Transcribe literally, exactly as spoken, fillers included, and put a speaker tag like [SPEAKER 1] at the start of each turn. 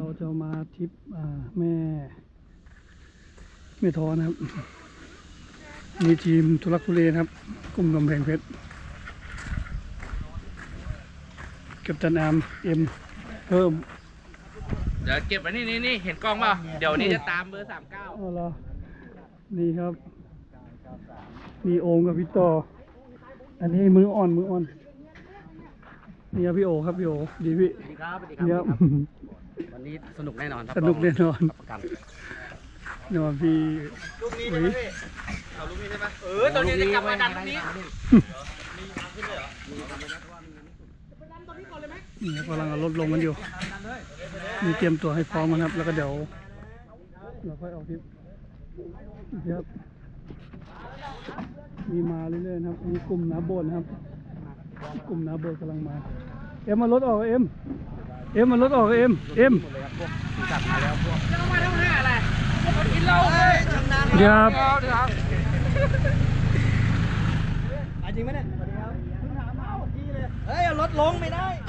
[SPEAKER 1] จะมาทริปแม่แม่ท้อนะครับมีทีมทุลักทุเลนะครับกลุ่มกำแพงเพชรกัปตันอาร์มเอ็มเพิ่ม
[SPEAKER 2] เดี๋ยวเก็บไว้นี่นี่นี่เห็นกล้องเปล่าเดี๋ยวนี้จะตามเบอร์สามเก้า
[SPEAKER 1] อ๋อเหรอนี่ครับมีโอมกับพี่ต่ออันนี้มืออ่อนมืออ่อนนี่ครับพี่โอครับพี่โอดีพี่
[SPEAKER 3] สวัสดีครับสวัสดี
[SPEAKER 1] ครับ
[SPEAKER 3] วันนี้สนุกแน่นอนครับ
[SPEAKER 1] สนุกแน่นอน
[SPEAKER 3] ประกัน
[SPEAKER 1] นอนพี่
[SPEAKER 2] ลูกนี้ใช่ไหมพี่เอาลูกนี้ใช่ไหมเออตอนนี้จะกลับมาดันลูกนี้
[SPEAKER 1] นี่กำลังเอารถลงกันอยู่มีเตรียมตัวให้พร้อมนะครับแล้วก็เดี๋ยวเราค่อยออกทริปครับมีมาเรื่อยๆนะครับมีกลุ่มน้าโบนครับกลุ่มน้าโบนกำลังมาเอ็มมารถออกเอ็มเอ็มมารถออกเอ็มเอ็ม
[SPEAKER 3] จัดมาแล้วพวก
[SPEAKER 2] จะมาทำห้าอะไรกินเหล้าชำนาญ
[SPEAKER 1] เดี๋ยวครับ
[SPEAKER 3] จริงไหมเนี่ยสวัสดีครับเพิ่งถามมาเมื่อกี้เลยเฮ้ยเอารถลงไม่ได้